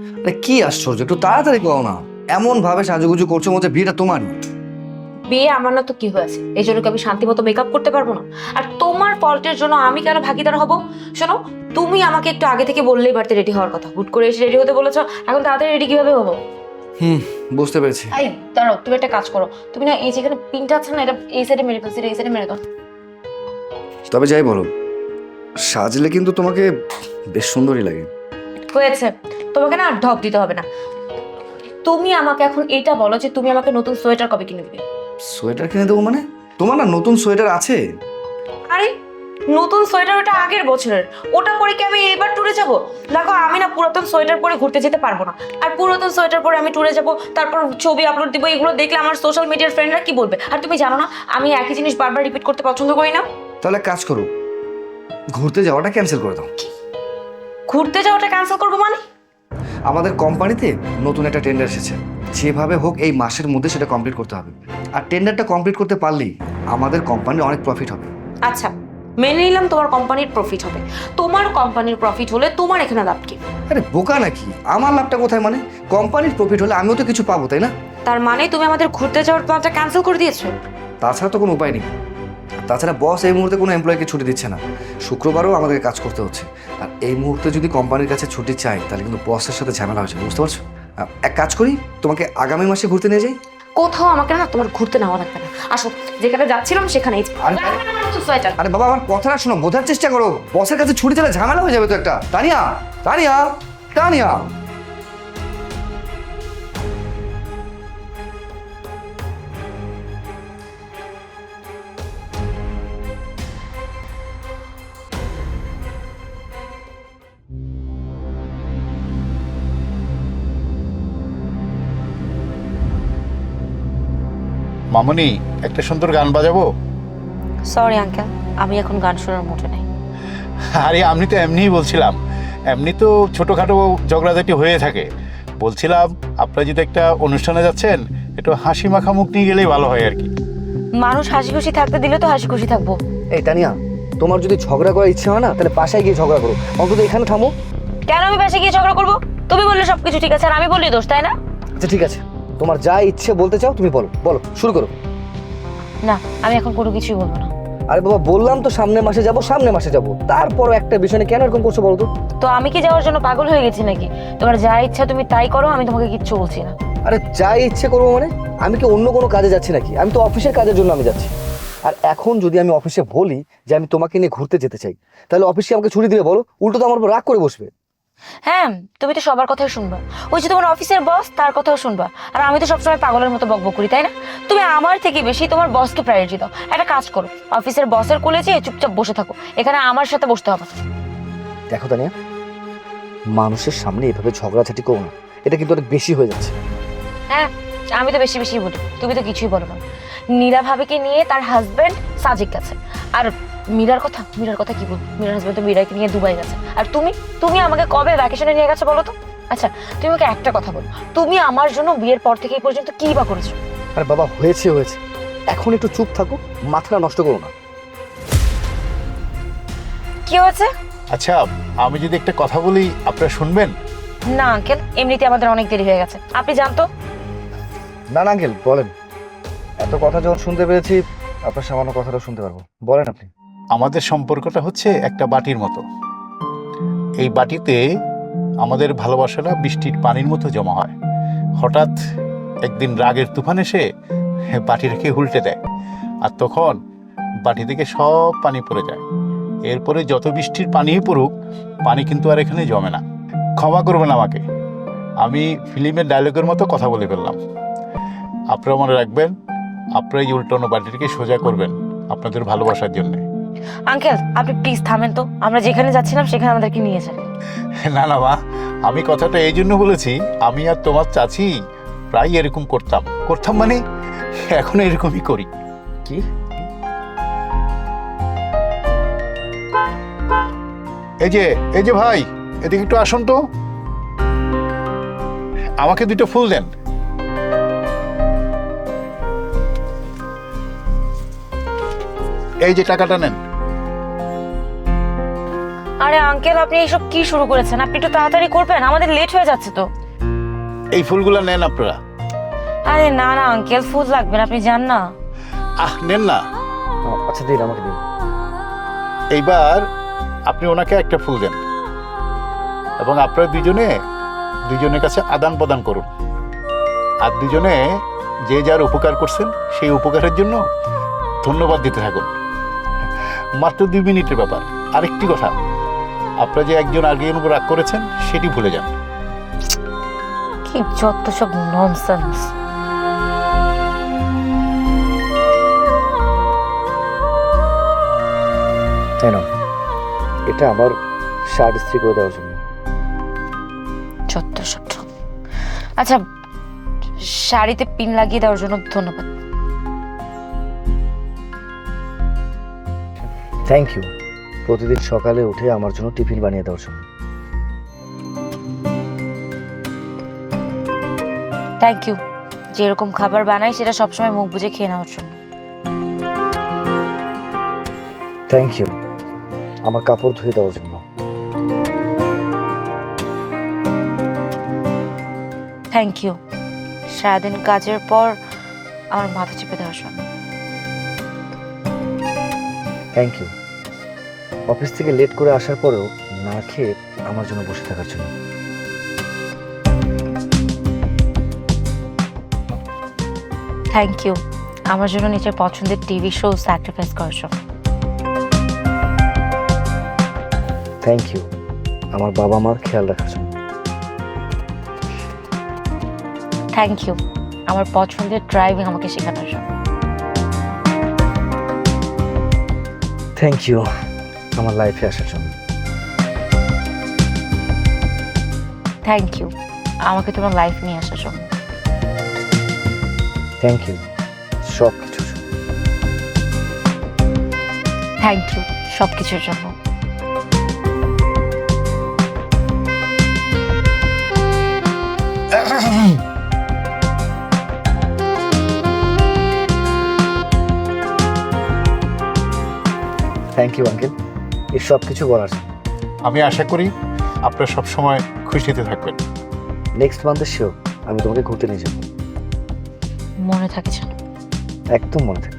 আরে কি আশ্চর্য, একটু তাড়াতাড়ি করো না। এমন ভাবে সাজুগুজু করছো মধ্যে বিয়েটা তোমার। বিয়ে আমার না তো কি হয়েছে, এই জন্য কি আমি শান্তি মতো মেকআপ করতে পারবো না? আর তোমার ফল্টের জন্য আমি কেন ভাগিদার হব? শোনো, তুমি আমাকে একটু আগে থেকে বললেই পারতে রেডি হওয়ার কথা। হুট করে এসে রেডি হতে বলেছো, এখন তাড়াতাড়ি রেডি কিভাবে হবো? বুঝতে পেরেছি। এই দাঁড়াও, তুমি একটা কাজ করো, তুমি না এই যেখানে পিনটা আছে না, এটা এই সাইডে মেরে ফেলছি, এই সাইডে মেরে দাও। তবে যাই বলো, সাজলে কিন্তু তোমাকে বেশ সুন্দরই লাগে। হয়েছে, তোমাকে না আর ঢপ দিতে হবে না। তুমি আমাকে এখন এটা বলো যে তুমি আমাকে নতুন সোয়েটার কবে কিনে দিবে? সোয়েটার কিনে দেবো মানে? তোমার না নতুন সোয়েটার আছে? আরে নতুন সোয়েটার ওটা আগের বছরের, ওটা পরে কি আমি এবার ট্যুরে যাব? দেখো আমি না পুরাতন সোয়েটার পরে ঘুরতে যেতে পারবো না। আর পুরাতন সোয়েটার পরে আমি ট্যুরে যাব, তারপর ছবি আপলোড দিব, এগুলো দেখলে আমার সোশ্যাল মিডিয়ার ফ্রেন্ডরা কি বলবে? আর তুমি জানো না আমি একই জিনিস বারবার রিপিট করতে পছন্দ করি না। তাহলে এক কাজ করো, ঘুরতে যাওয়াটা ক্যান্সেল করে দাও। ঘুরতে যাওয়াটা ক্যান্সেল করবো মানে? আমাদের কোম্পানিতে নতুন একটা টেন্ডার এসেছে, যেভাবে হোক এই মাসের মধ্যে সেটা কমপ্লিট করতে হবে। আর টেন্ডারটা কমপ্লিট করতে পারলেই আমাদের কোম্পানির অনেক প্রফিট হবে। আচ্ছা, মেনে নিলাম তোমার কোম্পানির প্রফিট হবে। তোমার কোম্পানির প্রফিট হলে তোমার এখানে লাভ কি? আরে বোকা নাকি, আমার লাভটা কোথায়? মানে কোম্পানির প্রফিট হলে আমিও তো কিছু পাবো, তাই না? তার মানে তুমি আমাদের ঘুরতে যাওয়ার প্ল্যানটা ক্যান্সেল করে দিয়েছো? তাছাড়া তো কোনো উপায় নেই। তাছাড়া বস এই মুহূর্তে কোনো এমপ্লয়িকে ছুটি দিচ্ছে না, শুক্রবারও আমাদেরকে কাজ করতে হচ্ছে। আর এই মুহূর্তে যদি কোম্পানির কাছে ছুটি চাই তাহলে কিন্তু বসের সাথে ঝামেলা হয়েছে, বুঝতে পারছো? এক কাজ করি, তোমাকে আগামী মাসে ঘুরতে নিয়ে যাই। কোথাও আমাকে না তোমার ঘুরতে নেওয়া লাগবে না, আসো যেখানে যাচ্ছিলাম সেখানেই। সোয়েটার আরে বাবা, আমার কথাটা শোনো, বোঝার চেষ্টা করো। বসের কাছে ছুটি চাইলে ঝামেলা হয়ে যাবে তো একটা। তানিয়া, তানিয়া, তানিয়া। মামুনি, একটা সুন্দর গান বাজাবো? সরি আঙ্কেল, আমি এখন গান শোনার মুডে নেই। আরে আমি তো এমনিই বলছিলাম, এমনি তো ছোটোখাটো ঝগড়াঝাটি হয়ে থাকে। বলছিলাম আপনারা যদি একটা অনুষ্ঠানে যাচ্ছেন, একটু হাসি মাখা মুখ নিয়ে গেলেই ভালো হয় আর কি। মানুষ হাসি খুশি থাকতে দিলে তো হাসি খুশি থাকবো। এই তানিয়া, তোমার যদি ঝগড়া করার ইচ্ছে হয় না তাহলে বাসায় গিয়ে ঝগড়া করো, অন্তত এখানে থামো। কেন আমি বাসে গিয়ে ঝগড়া করবো? তুমি বললে সবকিছু ঠিক আছে আর আমি বললি দোষ, তাই না? আচ্ছা ঠিক আছে, তোমার যা ইচ্ছে বলতে চাও তুমি বলো, বলো, শুরু করো। না, আমি এখন কোনো কিছুই বলবো না। আরে বাবা, বললাম তো সামনের মাসে যাব, সামনের মাসে যাব। তারপরও একটা বিষয় নিয়ে কেন এরকম করছো বলো তো? তো আমি কি যাওয়ার জন্য পাগল হয়ে গেছি নাকি? তোমার যা ইচ্ছা তুমি তাই করো, আমি তোমাকে কিচ্ছু বলছি না। আরে যা ইচ্ছে করবো মানে? আমি কি অন্য কোনো কাজে যাচ্ছি নাকি? আমি তো অফিসের কাজের জন্য আমি যাচ্ছি। আর এখন যদি আমি অফিসে বলি যে আমি তোমাকে নিয়ে ঘুরতে যেতে চাই, তাহলে অফিসে আমাকে ছুটি দিবে বলো? উল্টো তো আমার উপর রাগ করে বসবে। হ্যাঁ, তুমি তো সবার কথাই শুনবা। ওই যে তোমার অফিসের বস, তার কথাও শুনবা। আর আমি তো সবসময় পাগলের মতো বকবক করি, তাই না? তুমি আমার থেকে বেশি তোমার বসকে প্রায়োরিটি দাও। একটা কাজ করো, অফিসের বসের কোলে যেয়ে চুপচাপ বসে থাকো, এখানে আমার সাথে বসতে হবে না। দেখো তানিয়া, মানুষের সামনে এভাবে ঝগড়াঝাটি করো না, এটা কিন্তু অনেক বেশি হয়ে যাচ্ছে। হ্যাঁ, আমি তো বেশি বেশি বলি, তুমি তো কিছুই বলো না। নীলা ভাবিকে নিয়ে তার হাজবেন্ড সাজিক গেছে। আর মীরার কথা কি বলবো? মীরার হাজবেন্ড তো মীরাকে নিয়ে দুবাই গেছে। আর তুমি আমাকে কবে ভ্যাকেশনে নিয়ে গেছো বলো তো? আচ্ছা, তুমি আমাকে একটা কথা বলো, তুমি আমার জন্য বিয়ের পর থেকে এই পর্যন্ত কি বা করেছো? আরে বাবা, হয়েছে হয়েছে, এখন একটু চুপ থাকো, মাথাটা নষ্ট করো না। কি হয়েছে? আচ্ছা, আমি যদি একটা কথা বলি আপনারা শুনবেন? না আঙ্কেল, এমনিতে আমাদের অনেক দেরি হয়ে গেছে, আপনি জানতো। না না আঙ্কেল, বলেন। এত কথা যখন শুনতে পেরেছি, আপনার সামান্য কথাটাও শুনতে পারবো, বলেন আপনি। আমাদের সম্পর্কটা হচ্ছে একটা বাটির মতো। এই বাটিতে আমাদের ভালোবাসাটা বৃষ্টির পানির মতো জমা হয়। হঠাৎ একদিন রাগের তুফান এসে বাটিটাকে উল্টে দেয়, আর তখন বাটি থেকে সব পানি পড়ে যায়। এরপরে যত বৃষ্টির পানিই পড়ুক, পানি কিন্তু আর এখানে জমে না। ক্ষমা করবেন আমাকে, আমি ফিল্মের ডায়লগের মতো কথা বলে ফেললাম। আপনারা মনে রাখবেন, আপনারা এই উল্টানো বাটিটাকে সোজা করবেন আপনাদের ভালোবাসার জন্য। আঙ্কেল আপনি প্লিজ থামেন তো, আমরা যেখানে যাচ্ছিলাম সেখানে আমাদেরকে নিয়ে যান। না না মা, আমি কথাটা এই জন্য বলেছি, আমি আর তোমার চাচি প্রায় এরকম করতাম করতাম মানে এখন এরকমই করি। কি? এই যে ভাই, এদিকে একটু আসুন তো, আমাকে দুটো ফুল দেন। এই যে টাকাটা নেন। আরে আঙ্কেল, আপনি এইসব কি শুরু করেছেন? আপনি একটু তাড়াতাড়ি করবেন, আমাদের লেট হয়ে যাচ্ছে তো। এই ফুলগুলো নেন আপনারা। আরে না না আঙ্কেল, ফুল লাগবে না, আপনি যান না। নেন না। আচ্ছা দিন, আমাকে দিন। এইবার আপনি ওনাকে একটা ফুল দেন এবং আপনারা দুজনের কাছে আদান প্রদান করুন। আর দুজনে যে যার উপকার করছেন সেই উপকারের জন্য ধন্যবাদ দিতে থাকুন। মাত্র 2 মিনিটের ব্যাপার। আরেকটি কথা, আপনারা যে একজন আরেকজনের উপর রাগ করেছেন সেটি ভুলে যান। কি যত সব ননসেন্স। তাই না, এটা আমার শার্ট ইস্ত্রি করে দেওয়ার জন্য। যত সব। আচ্ছা, শাড়িতে পিন লাগিয়ে দেওয়ার জন্য ধন্যবাদ। থ্যাংক ইউ প্রতিদিন সকালে উঠে আমার জন্য টিফিন বানিয়ে দেওয়ার জন্য। থ্যাংক ইউ যেরকম খাবার বানাই সেটা সবসময় মুখ বুজে খেয়ে নেওয়ার জন্য। থ্যাংক ইউ আমার কাপড় ধুয়ে দেওয়ার জন্য। থ্যাংক ইউ সারাদিন কাজের পর আমার মাথা চেপে দেওয়ার জন্য। থ্যাংক ইউ অফিস থেকে লেট করে আসার পরেও না খেয়ে আমার জন্য বসে থাকার জন্য। থ্যাংক ইউ আমার জন্য নিজের পছন্দের টিভি শো স্যাক্রিফাইস করার জন্য। থ্যাংক ইউ আমার বাবা মার খেয়াল রাখার জন্য। থ্যাংক ইউ আমার পছন্দের ড্রাইভিং আমাকে শেখানোর জন্য। থ্যাংক ইউ আমার লাইফে আসার জন্য। থ্যাংক ইউ আমাকে তোমার লাইফ নিয়ে আসার জন্য। থ্যাংক ইউ সব কিছুর জন্য। থ্যাংক ইউ সব কিছুর জন্য। থ্যাংক ইউ আঙ্কেল এই সব কিছু বলার জন্য। আমি আশা করি আপনারা সবসময় খুশিতে থাকবেন। নেক্সট মান্থে শিওর আমি তোমাকে ঘুরতে নিয়ে যাবো। মনে থাকে যেন। একদম মনে থাকে।